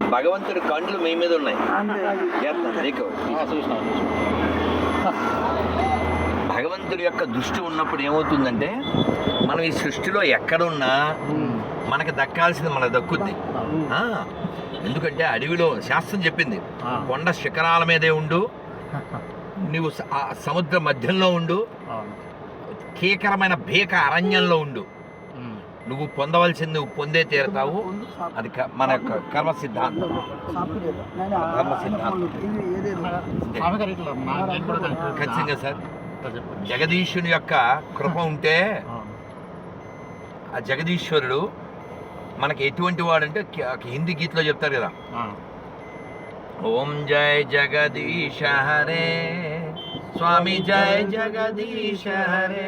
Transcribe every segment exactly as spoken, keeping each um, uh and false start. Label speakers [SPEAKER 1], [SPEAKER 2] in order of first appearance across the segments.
[SPEAKER 1] భగవంతుడి కండ్లు మీ మీద ఉన్నాయి. భగవంతుడి యొక్క దృష్టి ఉన్నప్పుడు ఏమవుతుందంటే మనం ఈ సృష్టిలో ఎక్కడున్నా మనకి దక్కాల్సింది మనకు దక్కుద్ది. ఎందుకంటే అడవిలో శాస్త్రం చెప్పింది, కొండ శిఖరాల మీదే ఉండు, నువ్వు సముద్ర మధ్యంలో ఉండు, కీకరమైన భీక అరణ్యంలో ఉండు, నువ్వు పొందవలసింది నువ్వు పొందే తీరుతావు. అది మన యొక్క కర్మ సిద్ధాంతం. కర్మ సిద్ధాంతం ఖచ్చితంగా సార్. జగదీశుని యొక్క కృప ఉంటే ఆ జగదీశ్వరుడు మనకి ఎటువంటి వాడంటే హిందీ గీతలో చెప్తారు కదా, ఓం జయ జగదీశ హరే స్వామి జయ జగదీశ హరే,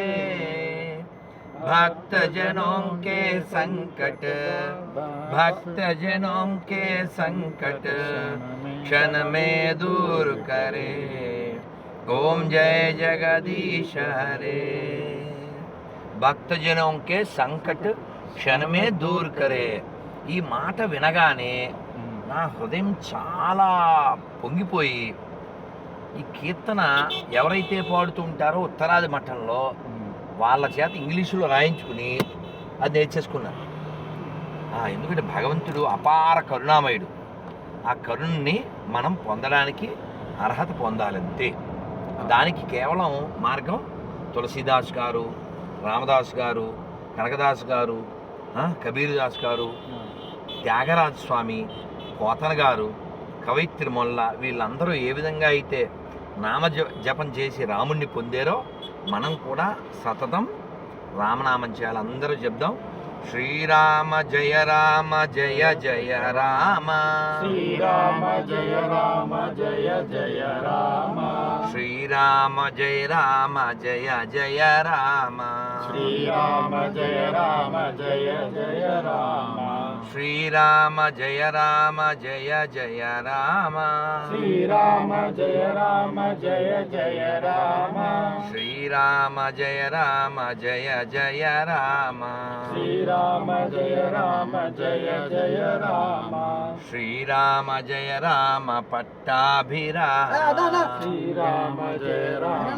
[SPEAKER 1] भक्त जनों के संकट भक्त जनों के संकट क्षण में दूर करे, ओम जय जगदीश हरे. భక్త జనం కే సంకట్ క్షణమే దూర్ కరే. ఈ మాట వినగానే నా హృదయం చాలా పొంగిపోయి, ఈ కీర్తన ఎవరైతే పాడుతూ ఉంటారో ఉత్తరాది మఠంలో వాళ్ళ చేత ఇంగ్లీషులో రాయించుకుని అది నేర్చేసుకున్నారు. ఎందుకంటే భగవంతుడు అపార కరుణామయుడు. ఆ కరుణని మనం పొందడానికి అర్హత పొందాలంతే. దానికి కేవలం మార్గం తులసీదాస్ గారు, రామదాస్ గారు, కనకదాస్ గారు, కబీర్దాస్ గారు, త్యాగరాజ స్వామి, పోతన గారు, కవయిత్రి మొల్ల, వీళ్ళందరూ ఏ విధంగా అయితే నామ జపం చేసి రాముణ్ణి పొందారో మనం కూడా సతతం రామనామం చేయాలి. అందరూ చెప్దాం, శ్రీరామ జయ రామ జయ జయ రామ,
[SPEAKER 2] శ్రీరామ జయ రామ జయ జయ రామ,
[SPEAKER 1] శ్రీరామ జయ రామ జయ జయ రామ,
[SPEAKER 2] శ్రీరామ జయ రామ జయ జయ రామ,
[SPEAKER 1] శ్రీరామ జయ రామ జయ జయ రామ,
[SPEAKER 2] శ్రీరామ జయ రామ జయ జయ రామ,
[SPEAKER 1] శ్రీరామ జయ రామ జయ జయ రామ,
[SPEAKER 2] శ్రీరామ జయ రామ జయ జయ రామ,
[SPEAKER 1] శ్రీరామ జయ రామ పట్టాభిరామ,
[SPEAKER 2] శ్రీరామ జయ రామ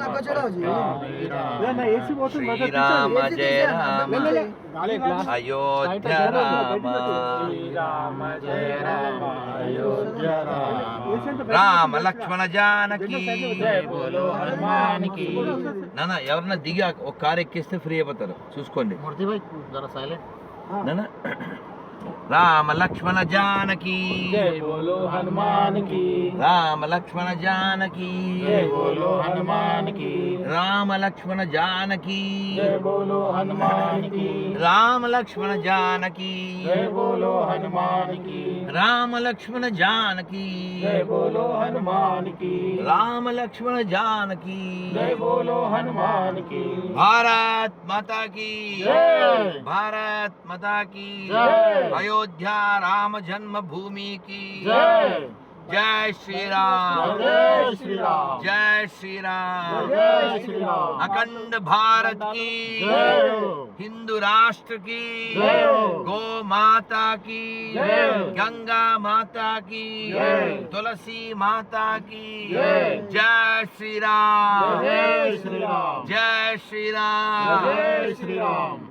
[SPEAKER 1] శ్రీరామ జయ రామ అయోధ్య రామ,
[SPEAKER 2] శ్రీరామ జయ రామ అయోధ్య రామ,
[SPEAKER 1] రామ లక్ష్మణ జానకి
[SPEAKER 2] జయ బోలో హనుమాన్ కి.
[SPEAKER 1] నాన్న ఎవరన్నా దిగి ఒక కారు ఎక్కిస్తే ఫ్రీ అయిపోతారు, చూసుకోండి నాన్న. రామ లక్ష్మణ జానకి
[SPEAKER 2] జయ బోలో హనుమాన్ కి,
[SPEAKER 1] రామ లక్ష్మణ జానకి
[SPEAKER 2] జయ బోలో హనుమాన్ కి,
[SPEAKER 1] రామ లక్ష్మణ జానకి
[SPEAKER 2] జయ బోలో హనుమాన్ కి,
[SPEAKER 1] రామ లక్ష్మణ జానకి
[SPEAKER 2] జయ బోలో హనుమాన్ కి,
[SPEAKER 1] రామ లక్ష్మణ జానకి
[SPEAKER 2] జయ బోలో హనుమాన్ కి,
[SPEAKER 1] రామ లక్ష్మణ జానకి
[SPEAKER 2] జయ బోలో హనుమాన్ కి.
[SPEAKER 1] భారత్ మాతా की
[SPEAKER 2] జై,
[SPEAKER 1] भारत माता की
[SPEAKER 2] జై,
[SPEAKER 1] अयोध्या राम जन्मभूमि की
[SPEAKER 2] జై,
[SPEAKER 1] जय श्री राम
[SPEAKER 2] జై శ్రీరామ్,
[SPEAKER 1] जय श्री राम
[SPEAKER 2] జై శ్రీరామ్,
[SPEAKER 1] अखंड भारत की
[SPEAKER 2] జై,
[SPEAKER 1] हिंदू राष्ट्र की
[SPEAKER 2] जय,
[SPEAKER 1] गौ माता की
[SPEAKER 2] जय,
[SPEAKER 1] गंगा माता की
[SPEAKER 2] जय,
[SPEAKER 1] तुलसी माता की
[SPEAKER 2] जय,
[SPEAKER 1] जय श्री राम
[SPEAKER 2] జై శ్రీరామ్,
[SPEAKER 1] जय श्री राम
[SPEAKER 2] జై శ్రీరామ్.